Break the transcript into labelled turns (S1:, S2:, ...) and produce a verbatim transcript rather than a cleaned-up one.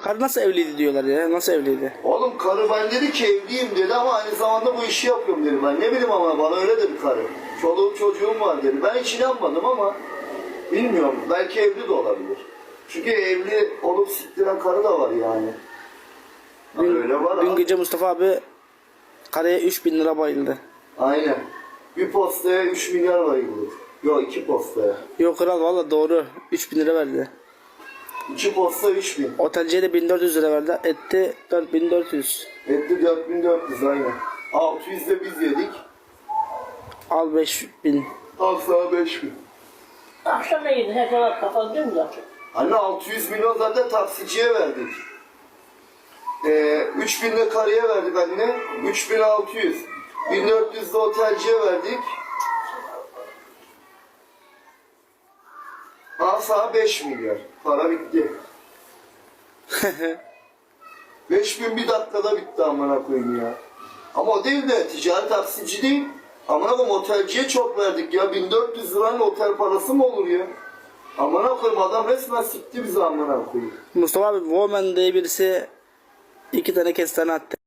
S1: Karı nasıl evliydi diyorlar ya. Nasıl evliydi?
S2: Oğlum karı ben dedi ki evliyim dedi ama aynı zamanda bu işi yapıyorum dedi. Ben ne bileyim ama bana öyle dedi karı. Çoluğum çocuğum var dedi. Ben hiç inanmadım ama bilmiyorum. Belki evli de olabilir. Çünkü evli olup siktiren karı da var yani.
S1: Dün,
S2: Öyle var
S1: dün
S2: abi.
S1: gece Mustafa abi karıya üç bin lira bayıldı.
S2: Aynen. Bir postaya üç milyar var gibi. Yok iki postaya.
S1: Yok kral valla doğru. üç bin lira verdi.
S2: İki posta üç bin.
S1: Otelciye de bin dört yüz lira verdi. Etti dört bin dört yüz.
S2: Etti dört bin dört yüz aynen. altı yüz de biz yedik.
S1: Al beş bin.
S2: Al sana beş bin.
S3: Akşam ne yedin? Hep olarak kapattın mı zaten?
S2: Anne altı yüz milyon zaten taksiciye verdik. Ee, üç bin de karıya verdik anne. üç bin altı yüz. bin dört yüz de otelciye verdik. Al sana beş milyar. Para bitti. beş bin bir dakikada bitti amına koyayım ya. Ama o değil de ticari taksici değil. Amına koyayım otelciye çok verdik ya. bin dört yüz liranın otel parası mı olur ya? Amına koyayım adam resmen sikti bizi amına koyayım.
S1: Mustafa abi Woman diye birisi iki tane kestane attı.